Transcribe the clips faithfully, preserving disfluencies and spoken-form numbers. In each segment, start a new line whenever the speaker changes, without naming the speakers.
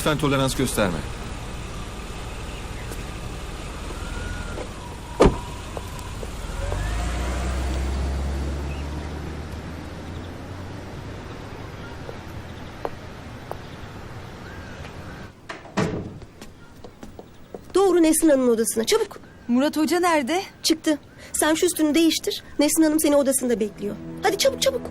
Lütfen tolerans gösterme.
Doğru Nesrin Hanım'ın odasına çabuk.
Murat Hoca nerede?
Çıktı. Sen şu üstünü değiştir. Nesrin Hanım seni odasında bekliyor. Hadi çabuk çabuk.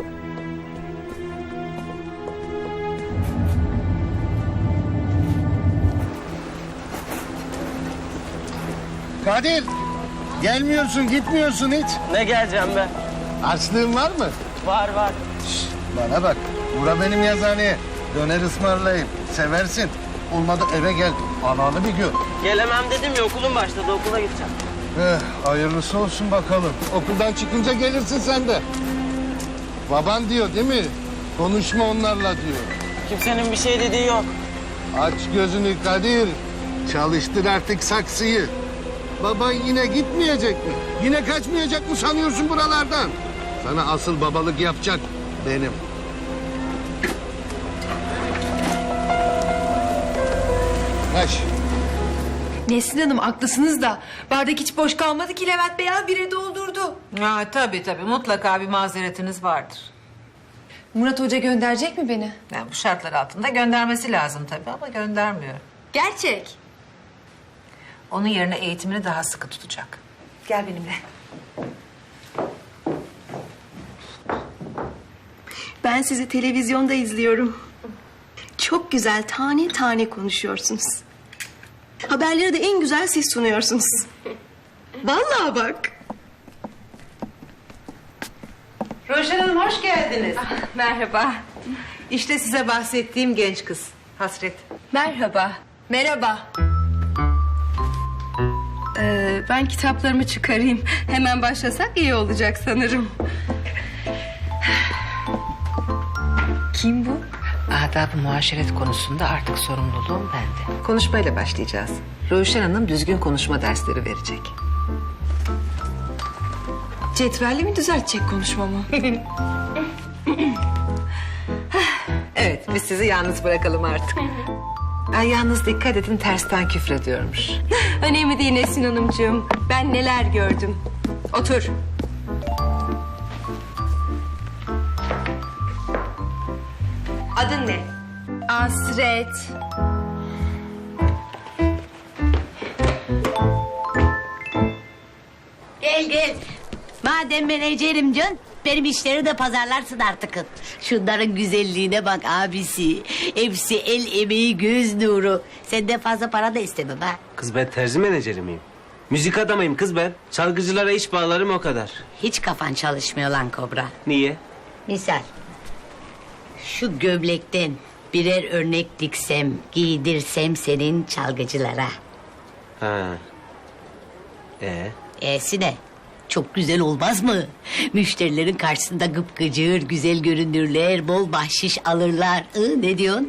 Kadir, gelmiyorsun, gitmiyorsun hiç.
Ne geleceğim be?
Açlığın var mı?
Var var.
Şş, bana bak, bura benim yazıhaneye. Döner ısmarlayayım, seversin. Olmadı eve gel, ananı bir gör.
Gelemem dedim ya, okulum başladı, okula gideceğim.
Eh, hayırlısı olsun bakalım. Okuldan çıkınca gelirsin sen de. Baban diyor değil mi? Konuşma onlarla diyor.
Kimsenin bir şey dediği yok.
Aç gözünü Kadir. Çalıştır artık saksıyı. Baban yine gitmeyecek mi? Yine kaçmayacak mı sanıyorsun buralardan? Sana asıl babalık yapacak benim. Kaç.
Nesrin Hanım haklısınız da bardak hiç boş kalmadı ki Levent Bey al bire doldurdu.
Ha, tabii tabii mutlaka bir mazeretiniz vardır.
Murat Hoca gönderecek mi beni?
Yani bu şartlar altında göndermesi lazım tabii ama göndermiyor.
Gerçek.
Onun yerine eğitimini daha sıkı tutacak.
Gel benimle.
Ben sizi televizyonda izliyorum. Çok güzel tane tane konuşuyorsunuz. Haberleri de en güzel siz sunuyorsunuz. Vallahi bak.
Roşen Hanım hoş geldiniz.
Merhaba.
İşte size bahsettiğim genç kız Hasret.
Merhaba. Merhaba. Ee, ben kitaplarımı çıkarayım. Hemen başlasak iyi olacak sanırım. Kim bu?
Adab-ı muaşeret konusunda artık sorumluluğum bende. Konuşmayla başlayacağız. Roşen Hanım düzgün konuşma dersleri verecek.
Cetvelle mi düzeltecek konuşmamı?
Evet biz sizi yalnız bırakalım artık. Ay, yalnız dikkat edin tersten küfrediyormuş.
Önemli değil Nesrin Hanımcığım. Ben neler gördüm. Otur. Adın ne? Asret.
Gel gel. Madem menajerim Can, benim işleri de pazarlarsın artık. Şunların güzelliğine bak abisi. Hepsi el emeği, göz nuru. Senden fazla para da istemem ha.
Kız ben terzi menajeri miyim? Müzik adamıyım kız ben. Çalgıcılara iş bağlarım o kadar.
Hiç kafan çalışmıyor lan Kobra.
Niye?
Misal. Şu gömlekten birer örnek diksem, giydirsem senin çalgıcılara.
Ha. Ee?
E'si ne? Çok güzel olmaz mı? Müşterilerin karşısında gıpgıcır, güzel görünürler, bol bahşiş alırlar. Hı, ne diyorsun?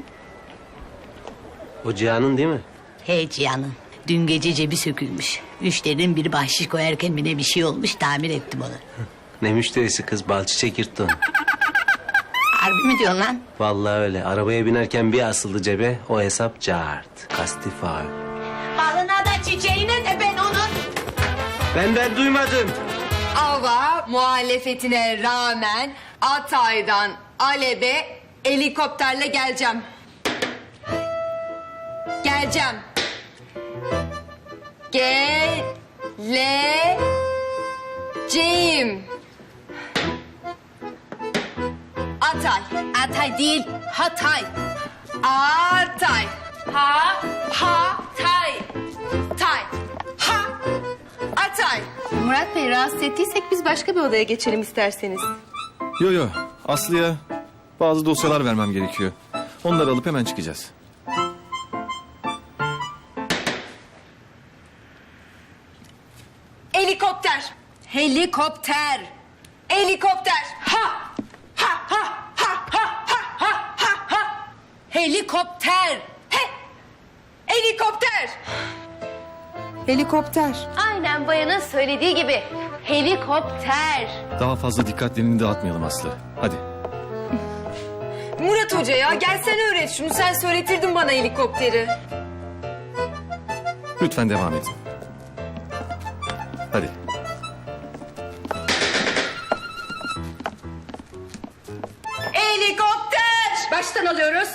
O Cihan'ın değil mi?
Hey canım. Dün gece cebi sökülmüş. Müşterinin biri bahşiş koyarken mi ne bir şey olmuş, tamir ettim onu.
Ne müşterisi kız, bal çiçek yırttı onu.
Harbi mi diyorsun lan?
Vallahi öyle. Arabaya binerken bir asıldı cebe, o hesap cart. Kasti faul.
Balına da çiçeğine de ben onun.
Ben ben duymadım.
Ava muhalefetine rağmen Atay'dan Alebe helikopterle geleceğim. Geleceğim. Geleceğim. Atay.
Atay değil,
Hatay. Atay. Ha, ha, tay. Tay. Ha, Atay. Murat Bey rahatsız ettiysek biz başka bir odaya geçelim isterseniz.
Yo yo, Aslı'ya bazı dosyalar vermem gerekiyor. Onları alıp hemen çıkacağız.
Helikopter. Helikopter. Helikopter. Ha. Ha ha ha ha ha ha ha ha. Helikopter. He. Helikopter. Helikopter.
Aynen bayanın söylediği gibi. Helikopter.
Daha fazla dikkatlerini dağıtmayalım Aslı. Hadi.
Murat Hoca ya gel sen öğret şunu. Sen söyletirdin bana helikopteri.
Lütfen devam edin. Hadi.
Helikopter! Baştan alıyoruz.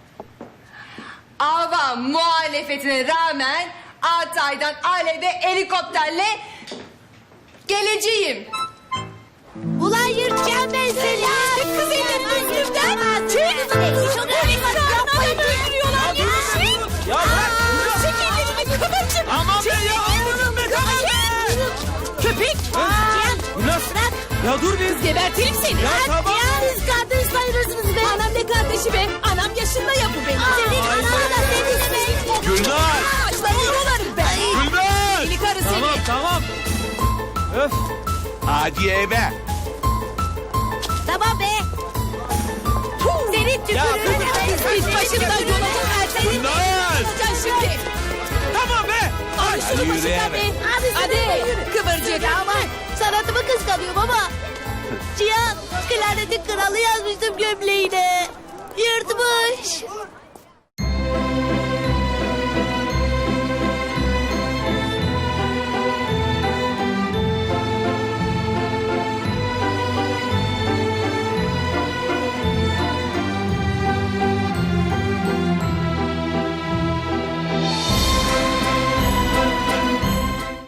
Avam muhalefetine rağmen Altay'dan Alev'e helikopterle geleceğim.
Ulan yırtacağım ben seni. Kız elim gözümden. Çek kızını. Çok önemli. Öldürüyorlar ya.
Ya bırak.
Çek elini kıvırcım.
Aman be ya. Amanın be tamam be.
Köpek.
Nasıl?
Bırak.
Ya dur bir.
Gebertirim seni.
Ya tamam.
Ya biz kardeş sayılırsınız be. Anam ne kardeşi be. Anam yaşında ya bu benim. Senin ananı da senin be.
Gülnar.
Ağaçları yorularım ben.
Gülnar.
Deli karı seni.
Tamam tamam. Öf. Hadi eve.
Tamam be. Senin tükürüğünü biz başımdan yolacak her seni.
Gülnar.
Olacaksın şimdi.
Tamam be.
Ay şunu başından be. Hadi, hadi. Kıvırcık. Aman sanatımı kıskanıyor baba. Cihan klarnetin kralı yazmıştım gömleğine. Yırtmış.